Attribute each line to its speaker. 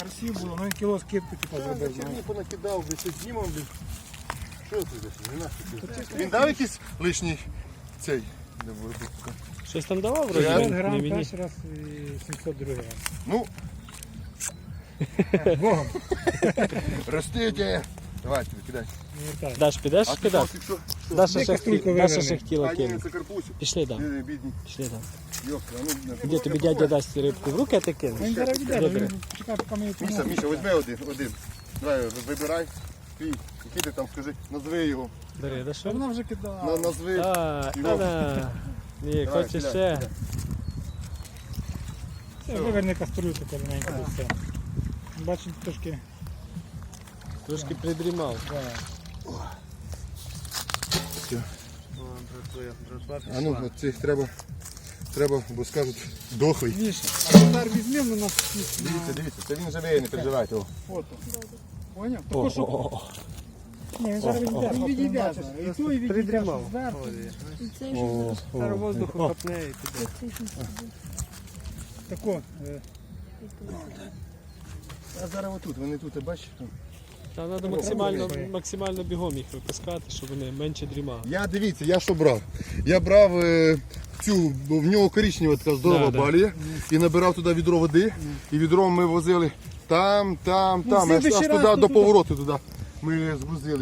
Speaker 1: Красиво було, ну він кіло скидку типу зробив.
Speaker 2: Черні понакидав, би щось знімав, блін. Що це за Він дав якийсь лишній цей?
Speaker 3: Щось там давав, вроді?
Speaker 1: 500
Speaker 3: Не
Speaker 1: грам
Speaker 3: мені.
Speaker 1: перший раз і 700 другий раз.
Speaker 2: Ну,
Speaker 1: Богом.
Speaker 2: ростите. Давайте, викидай.
Speaker 1: Не вертай.
Speaker 3: Даш, підеш
Speaker 2: А ти
Speaker 3: кидати?
Speaker 2: поки що?
Speaker 3: Даша ще
Speaker 1: каструльку
Speaker 3: Даша
Speaker 1: виверни.
Speaker 3: ще хотіла
Speaker 2: А, ні,
Speaker 3: кинути.
Speaker 2: це карпусик.
Speaker 3: Пішли, да.
Speaker 2: Бідні.
Speaker 3: Пішли, да.
Speaker 2: Йопта, а ну,
Speaker 3: Де тобі дядя дасть рибку в руки, а ти кинеш?
Speaker 1: Він зараз йде,
Speaker 3: Добре.
Speaker 1: він чекає, поки ми її
Speaker 2: Міша, візьми один. Давай, вибирай. Твій. Який ти там, скажи, назви його.
Speaker 3: Бери, да що?
Speaker 1: Вона вже кидала.
Speaker 2: Назви.
Speaker 3: Та-да. Ні,
Speaker 2: Давай,
Speaker 3: хочеш
Speaker 2: кидай,
Speaker 3: ще?
Speaker 2: кидай.
Speaker 1: Це виверни кастрюльку коротенько і все. Бачите, трошки.
Speaker 3: Трошки придрімав.
Speaker 1: Да.
Speaker 2: А ну, от цих треба, бо скажуть, дохлий.
Speaker 1: Міша, а тепер візьмемо на нас
Speaker 2: Дивіться, це він живий, не переживайте. О.
Speaker 1: фото. Поняв?
Speaker 3: О,
Speaker 1: Тако, що...
Speaker 3: о, о.
Speaker 1: Ні, він зараз відійде. Він відійде. І ту і відійде,
Speaker 3: Придрімав.
Speaker 1: що зверху.
Speaker 4: І цей
Speaker 2: О,
Speaker 4: же
Speaker 3: Зараз воздуху хапне і піде.
Speaker 1: Тако.
Speaker 2: А зараз отут, вони тут, бачиш?
Speaker 3: Та треба максимально бігом їх випускати, щоб вони менше дрімали.
Speaker 2: Дивіться, я що брав? Я брав цю, бо в нього коричнева така здорова
Speaker 3: Да.
Speaker 2: балія, і набирав туди відро води, і відром ми возили там, аж
Speaker 1: слідуючий
Speaker 2: туди
Speaker 1: раз
Speaker 2: до
Speaker 1: туди.
Speaker 2: повороту туди ми звозили.